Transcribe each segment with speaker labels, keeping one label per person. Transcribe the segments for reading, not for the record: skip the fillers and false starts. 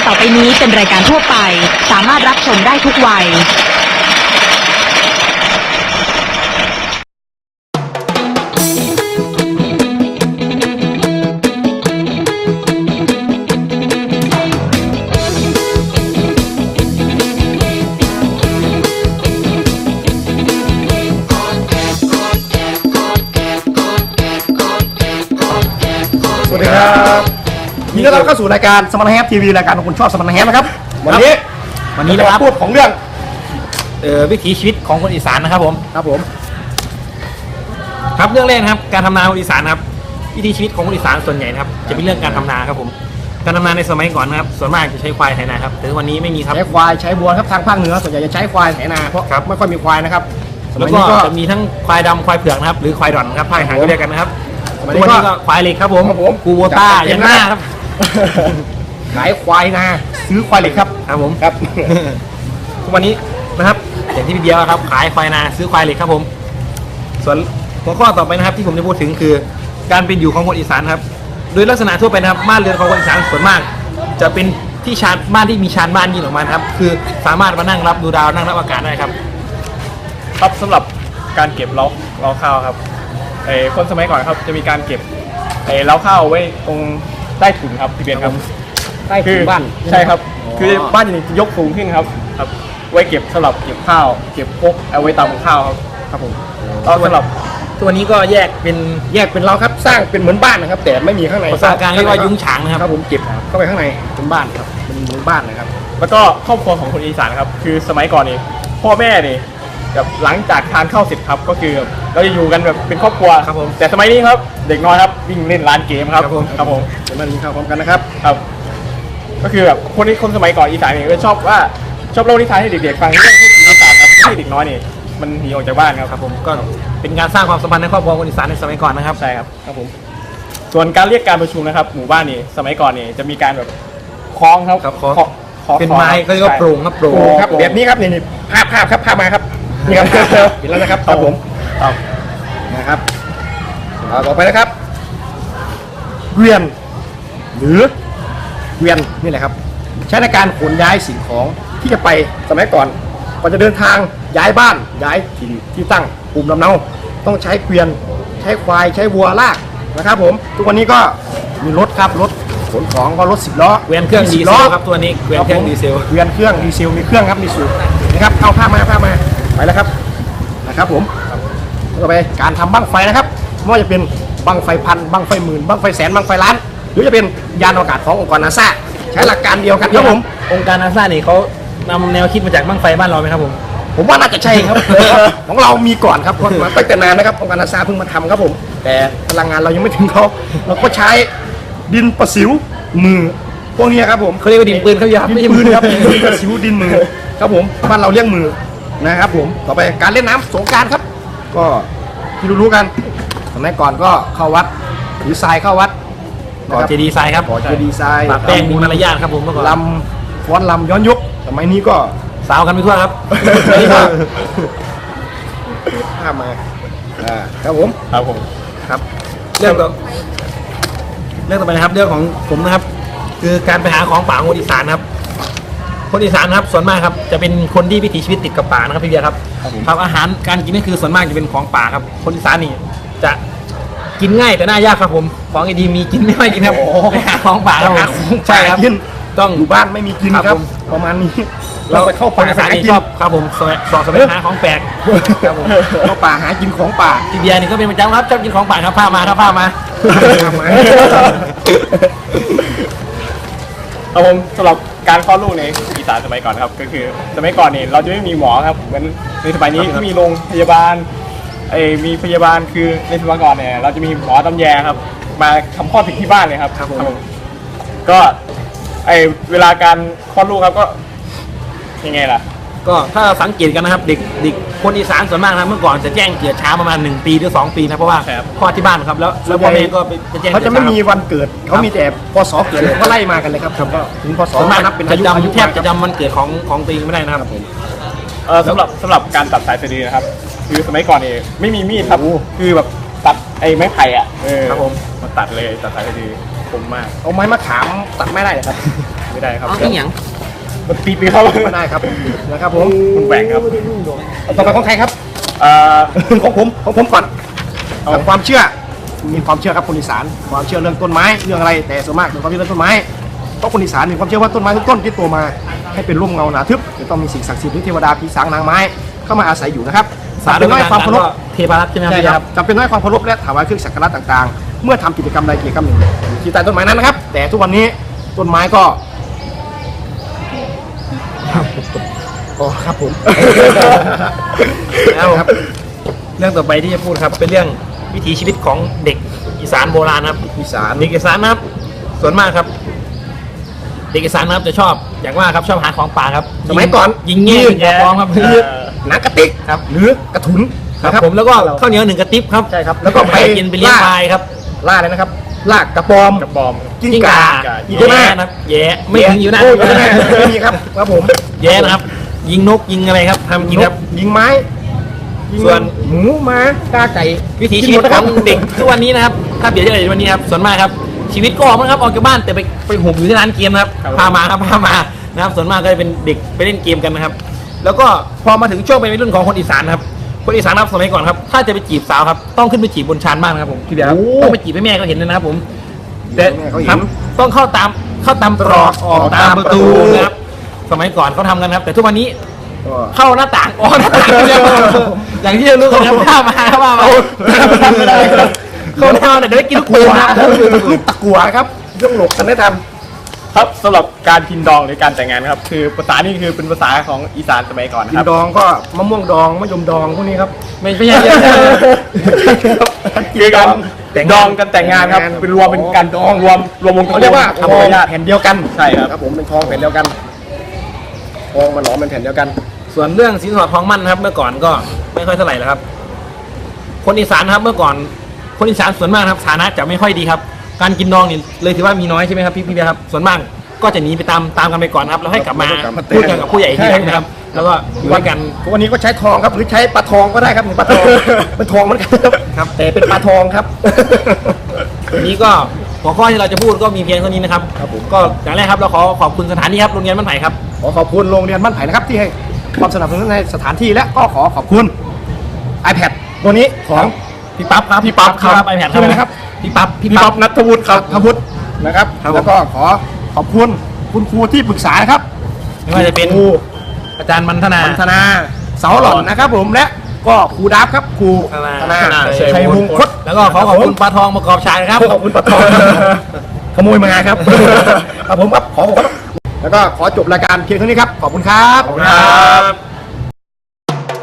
Speaker 1: ต่อไปนี้เป็นรายการทั่วไปสามารถรับชมได้ทุกวัย
Speaker 2: สวัสดีครับยินดีต้อนรับเข้าสู่รายการสมรรถแฮปทีวีรายการของคุณชอบสมรรถแฮปนะครับวันนี้นะครับพูดของเรื่อง
Speaker 3: วิถีชีวิตของคนอีสานนะครับผมครับเรื่องแรกนะครับการทำนาคนอีสานนะครับวิถีชีวิตของคนอีสานส่วนใหญ่นะครับจะเป็นเรื่องการทำนาครับผมการทำนาในสมัยก่อนนะครับส่วนมากจะใช้ควายไถนาครับแต่วันนี้ไม่มีครับ
Speaker 2: ใช้ควายใช้วัวครับทางภาคเหนือส่วนใหญ่จะใช้ควายไถนาเพราะไม่ค่อยมีควายนะครับ
Speaker 3: แล้วก็จะมีทั้งควายดำควายเผือกนะครับหรือควายดอนครับภาคอีสานก็เรียกกันนะครับตัวนี้ก็ควายเหล็กครับผมกูโบต้ายันหน้าครับ
Speaker 2: ขายควายนาซื้อควายเหล็กครับ
Speaker 3: ผม
Speaker 2: ครับ
Speaker 3: ทุกวันนี้นะครับอย่างที่พี่เบียร์ครับขายควายนาซื้อควายเหล็กครับผมส่วนหัวข้อต่อไปนะครับที่ผมจะพูดถึงคือการเป็นอยู่ของคนอีสานครับโดยลักษณะทั่วไปนะครับบ้านเรือนของคนอีสานส่วนมากจะเป็นที่ชานบ้านที่มีชานบ้านยิงออกมาครับคือสามารถมานั่งรับดูดาวนั่งรับอากาศได้ครับ
Speaker 4: ครับสำหรับการเก็บเล้าข้าวครับคนสมัยก่อนครับจะมีการเก็บเล้าข้าวไว้ตรงใต้ถุนครับพี่เบียร์ครับ
Speaker 2: ใต้ถุนบ้าน
Speaker 4: ใช่ครับคือบ้านจะยกสูงขึ้นครับไว้เก็บสำหรับเก็บข้าวเก็บพกเอาไว้ตำข้าวครับผมสำหรับ
Speaker 3: ตัวนี้ก็แยกเป็น
Speaker 2: เล้าครับสร้างเป็นเหมือนบ้านนะครับแต่ไม่มีข้างใน
Speaker 3: ภาษากลางเรียกว่ายุ้งฉางนะครับ
Speaker 2: ผมเก็บเข้าไปข้างในเป็นบ้านครับเป็นเหมือนบ้านนะครับ
Speaker 4: แล้วก็ครอบครัวของคนอีสานครับคือสมัยก่อนนี่พ่อแม่นี่แบบหลังจากทานข้าวเสร็จครับก็คือเราจะอยู่กันแบบเป็นครอบครัว
Speaker 3: ครับผม
Speaker 4: แต่สมัยนี้ครับเด็กน้อยครับวิ่งเล่นร้านเกมครับผม
Speaker 2: จะมากินข้าวพร้อมกันนะครับ
Speaker 4: ก็คือแบบคนสมัยก่อนอีสานเนี่ยก็ชอบเล่านิทานให้เด็กๆฟังเรื่องพวกอีสานครับให้เด็กน้อยนี่มันหนีออกจากบ้านครับ
Speaker 3: ผมก็เป็นการสร้างความสัมพันธ์ในครอบครัวคนอีสานในสมัยก่อนนะครับ
Speaker 4: ใช่ครับผมส่วนการเรียกการประชุมนะครับหมู่บ้านนี่สมัยก่อนนี่จะมีการแบบคล้องครับ
Speaker 3: เป็นไม้เขาเรียกว่าโปร่งครับโปร่ง
Speaker 2: ครับแบบนี้ครับนี่ภาพครับภาพมาครับนี่ครับเห็นแล้วนะครับผมนะครับต่อไปนะครับเกวียนหรือเกวียนนี่แหละครับใช้ในการขนย้ายสิ่งของที่จะไปสมัยก่อนก่อนจะเดินทางย้ายบ้านย้ายถิ่นที่ตั้งภูมิลำเนาต้องใช้เกวียนใช้ควายใช้วัวลากนะครับผมทุกวันนี้ก็มีรถครับรถขนของก็รถ10 ล้อ
Speaker 3: เกวียนเครื่องดีเซลครับตัวนี้เกวียนเครื่องดีเซล
Speaker 2: เกวียนเครื่องดีเซลมีเครื่องครับมีสูบนะครับเอาผ้ามาไปแล้วครับนะครับผมต่อไปการทำบั้งไฟนะครับไม่ว่าจะเป็นบั้งไฟพันบั้งไฟหมื่นบั้งไฟแสนบั้งไฟล้านหรือจะเป็นยานอวกาศขององค์กรนาซาใช้หลักการเดียวกันครับผม
Speaker 3: องค์การนาซาเนี่ยเขานำแนวคิดมาจากบั้งไฟบ้านเราไหมครับ
Speaker 2: ผมว่าน่าจะใช่ครับของเรามีก่อนครับมาตั้งแต่นานนะครับองค์การนาซาเพิ่งมาทำครับผมแต่พลังงานเรายังไม่ถึงเขาเราก็ใช้ดินประสิวมือพวกนี้ครับผม
Speaker 3: เขาเรียกว่าดินปืนเขา
Speaker 2: ไม่ใช่มือครับดินประสิวดินมือครับผมบ้านเราเรียกมือนะครับผมต่อไปการเล่นน้ำสงกรานต์ครับก็ที่รู้กันสมัยก่อนก็เข้าวัดถือทรายเข้าวัด
Speaker 3: ก่อเจดีย์ทรายครับ
Speaker 2: ก่อเจดีย์ทราย
Speaker 3: ปะแป้งมีมารยาทครับผมเมื่อก่อน
Speaker 2: ลำฟ้อนลำย้อนยุคสมัยนี้ก็
Speaker 3: สาวกันไปทั่วครับ
Speaker 2: ข้ามาครับผม
Speaker 3: ครับเรื่องต่อไปนะครับเรื่องของผมนะครับคือการไปหาของป่าคนอีสานครับคนอีสานครับส่วนมากครับจะเป็นคนที่วิถีชีวิตติดกับป่านะครับพี่เบียร์ครับอาหารการกินนี่คือส่วนมากจะเป็นของป่าครับคนอีสานนี่จะกินง่ายแต่น่ายากครับผมของดีมีกินไม่กินครับไปหาของป่าครับ
Speaker 2: ใช่ครับต้องอยู่บ้านไม่มีกินครับประมาณนี้เราไปเข้าป่า
Speaker 3: หาชอบครับผมสอบหาของแปลก
Speaker 2: ครับผมเข้าป่าหากินของป่า
Speaker 3: พี่เบียร์นี่ก็เป็นประจำครับชอบกินของป่าครับผ้ามาครับ
Speaker 4: ผมสำหรับการคลอดลูกในอีสานสมัยก่อนครับก็คือสมัยก่อนนี่เราจะไม่มีหมอครับเหมือนในสมัยนี้ที่มีโรงพยาบาลมีพยาบาลคือในสมัยก่อนเนี่ยเราจะมีหมอตำแยครับมาทำคลอดถึงที่บ้านเลยครับก็เวลาการคลอดลูกครับก็ยังไงล่ะ
Speaker 3: ก็ถ้าสังเกตกันนะครับเด็กคนอีสานส่วนมากนะเมื่อก่อนจะแจ้งเกิดช้าประมาณ1 ปีหรือ2 ปีนะเพราะว่าคลอดที่บ้านครับแล้วพ่อแม่ก็ไปแจ้ง
Speaker 2: เขาจะไม่มีวันเกิดเขามีแต่พศเกิดก็ไล่มากันเลยครับก็ถึงพศ
Speaker 3: มานับเป็นอายุแทบจะจำวันเกิดของตัวเองไม่ได้นะครับผม
Speaker 4: สำหรับการตัดสายสะดือนะครับคือสมัยก่อนนี่ไม่มีมีดครับคือแบบตัดไม้ไผ่
Speaker 3: ครับผม
Speaker 4: มาตัดเลยตัดสายสะดือคมมาก
Speaker 2: เอาไม้มะขามตัดไม่ได้เลยครับ
Speaker 4: ไม่ได้ครับ
Speaker 1: เอาอีหยัง
Speaker 4: มันติดเลยครับ
Speaker 2: ไม่ได้ครับนะครับผม
Speaker 4: มันแหว่งครับ
Speaker 2: ต่อไปของใครครับ ของผมก่อนความเชื่อมีความเชื่อครับคนอีสานความเชื่อเรื่องต้นไม้เรื่องอะไรแต่ส่วนมากเป็นความเชื่อเรื่องต้นไม้เพราะคนอีสานมีความเชื่อว่าต้นไม้ทุกต้นที่โตมาให้เป็นร่มเงาหนาทึบจะต้องมีสิ่งศักดิ์สิทธิ์หรือเทวดาผีสางนางไม้เข้ามาอาศัยอยู่นะครับ
Speaker 3: สา
Speaker 2: เป็นน้อยความเคารพ
Speaker 3: เทพรัตน์ใช่ไหม
Speaker 2: ใช่
Speaker 3: ค
Speaker 2: ค
Speaker 3: รั
Speaker 2: รั
Speaker 3: บบ
Speaker 2: จำเป็นน้อยความเคารพและถวายเครื่องสักการะต่างๆ เมื่อทำกิจกรรมใดกิจกรรมหนึ่งอยู่ที่ใต้ต้นไม้นั้นนะครับ แต่ทุกวันนี้ต้นไม้ก็อ๋อครับผม
Speaker 3: แล้วครับเรื่องต่อไปที่จะพูดครับเป็นเรื่องวิถีชีวิตของเด็กอีสานโบราณครับ
Speaker 2: อีสาน
Speaker 3: เด็กอีสานนะครับส่วนมากครับ เด็กอีสานนะครับจะชอบอย่างว่าครับชอบหาของป่าครับ
Speaker 2: สมัยก่อน
Speaker 3: ยิงแง่ยิงยาปลอมครับ
Speaker 2: หนังกระติก
Speaker 3: ครับ
Speaker 2: หรือกระถุน
Speaker 3: ครับ
Speaker 2: นะ
Speaker 3: ผมแล้วก็ข้าวเหนียวหนึ่งกระติบครับ
Speaker 2: ใช่ครับแล้วก็
Speaker 3: ไป
Speaker 2: ไป
Speaker 3: กินไปเลี้ยงควายครับ
Speaker 2: ล่าเลยนะครับลากกระปอม
Speaker 4: กระบอม
Speaker 2: กิ้งก่า
Speaker 3: แย่
Speaker 2: อยู่หน้า
Speaker 3: นะครับแย่ไม่ถึงอยู่หน้า
Speaker 2: โอยู่หน้าไม่มีครับครับผม
Speaker 3: แย่นะครับ ยิงนกยิงอะไรครับทำกินครับ
Speaker 2: ยิงไม้ยิง
Speaker 3: ส่วน
Speaker 2: หมูม้ากาไก่
Speaker 3: วิถีชีวิตของเด็กทุกวันนี้นะครับถ้าเปรียบเทียบกับวันนี้ครับส่วนมากครับชีวิตก็ออกนะครับออกจากบ้านแต่ไปหุบอยู่ที่ร้านเกมนะครับ
Speaker 4: ครับ
Speaker 3: พามาครับพามานะครับส่วนมากก็จะเป็นเด็กไปเล่นเกมกันนะครับ แล้วก็พอมาถึงช่วงเป็นวัยรุ่นของคนอีสานครับคนอีสานครับสมัยก่อนครับถ้าจะไปจีบสาวครับต้องขึ้นไปจีบบนชานบ้านนะครับผมพี่เบียร์ครับต้องไปจีบให้แม่ก็เห็นเลยนะครับผมแต่
Speaker 2: แม่เขาเห็น
Speaker 3: ครับต้องเข้าตามตรอกออกตามประตูนะครับสมัยก่อนเขาทำกันครับ แต่ทุกวันนี้
Speaker 2: ก็
Speaker 3: เข้าหน้าต่างออกหน้าต่างเดียวอย่างที่เรารู้กันครับข้ามาว่ามา
Speaker 2: ไม่ได้ครับ
Speaker 3: เข้าหน้าแต่เดี๋ยวได้กินลูก
Speaker 2: กลั
Speaker 3: ปู
Speaker 2: ว
Speaker 3: นะ
Speaker 2: ลูกตะกัวครับเรื่องหลกกันได้ท
Speaker 4: ครับสำหรับการพินดองหรือการแต่งงานครับคือภาษานี่คือเป็นภาษาของอีสานสมัยก่อน
Speaker 2: ำ
Speaker 4: นะ
Speaker 2: กิ
Speaker 4: คน รับ
Speaker 2: ดองก็มะม่วงดองมะยมดองพวกนี้ครับ
Speaker 3: ไม่ใช่
Speaker 4: คือการ
Speaker 2: แต่ง
Speaker 4: ด
Speaker 2: งาน
Speaker 4: องกันแต่งงานครับ
Speaker 2: แต่งงาน
Speaker 4: เป็นรวมเป็นการดองรวมวง
Speaker 2: เขาเรียกว่า
Speaker 4: ทำ
Speaker 2: ทอง
Speaker 4: ญาติ
Speaker 2: แผ่นเดียวกัน
Speaker 4: ใช่ครับ
Speaker 2: ครับผมเป็นทองแผ่นเดียวกันทองมาหลอมเป็นแผ่นเดียวกัน
Speaker 3: ส่วนเรื่องสินสอดทองมั่นนะครับ เมื่อก่อนก็ไม่ค่อยเท่าไหร่แล้วครับ คนอีสานนะครับเมื่อก่อน คนอีสานส่วนมากนะครับฐานะจะไม่ค่อยดีครับ การกินดองนี่เลยถือว่ามีน้อยใช่ไหมครับพี่เบียร์ครับส่วนมากก็จะหนีไปตามกันไปก่อนครับแล้วให้กลับมา
Speaker 2: แล้วก็กลับมา
Speaker 3: พูดกันกับผู้ใหญ่อีกทีหลังนะครับ แล้วก็อยู่ด้วยกัน
Speaker 2: วันนี้ก็ใช้ทองครับหรือใช้ปลาทองก็ได้ครับปลาทองเป็นทองเหมือนกันครับแต่เป็นปลาทองครับ
Speaker 3: วันนี้ก็หัวข้อที่เราจะพูดก็มีเพียงเท่านี้นะครับ
Speaker 2: ครับผม
Speaker 3: ก็อย่างแรกครับเราขอขอบคุณสถานที่ครับโรงเรียนบ้านไผ่ครับ
Speaker 2: ขอขอบคุณโรงเรียนบ้านไผ่นะครับที่ให้ความสนับสนุนในสถานที่และก็ขอขอบคุณ iPad ตัวนี้ของ
Speaker 3: พี่ปั๊บครับ
Speaker 2: พี่ปั๊บครับ
Speaker 3: ไอแพด
Speaker 2: ใช่ไหมนะครับ
Speaker 3: พี่ปั๊บ
Speaker 2: พี่ป๊อปนัทวุฒิครับนัทวุฒินะครับ
Speaker 3: ครับผม
Speaker 2: แล้วก็ขอขอบคุณคุณครูที่ปรึกษานะครับ
Speaker 3: ไม่ว่าจะเป็น
Speaker 2: ครู
Speaker 3: อาจารย์มันธนา
Speaker 2: พัฒนาเสาหล่อนนะครับผมและก็ครูดับครับครู
Speaker 3: ธนา
Speaker 2: ชัยวงศ์คด
Speaker 3: แล้วก็ขอขอบคุณปลาทองประกอบชายครับ
Speaker 2: ขอบคุณปะทองขโมยมาครับครับผมครับขอขอบคุณแล้วก็ขอจบรายการเพียงเท่านี้ครับขอบคุณครับ
Speaker 4: ครับ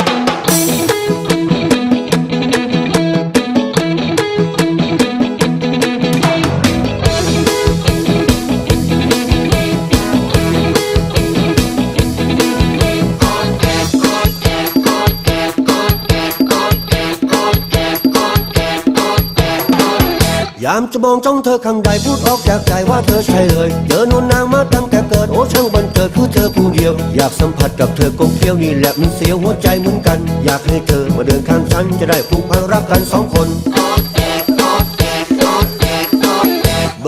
Speaker 5: ยามจะมองจ้องเธอข้างใดพูดออกจากใจว่าเธอใช่เลยเจอนวลนางมาตั้งแต่เกิดโอ้ช่างบันเกิดคือเธอผู้เดียว อยากสัมผัสกับเธอกลมเกลียวนี่แหละมันเสียวหัวใจเหมือนกัน อยากให้เธอมาเดินข้างฉันจะได้ผูกพันรักกันสองคน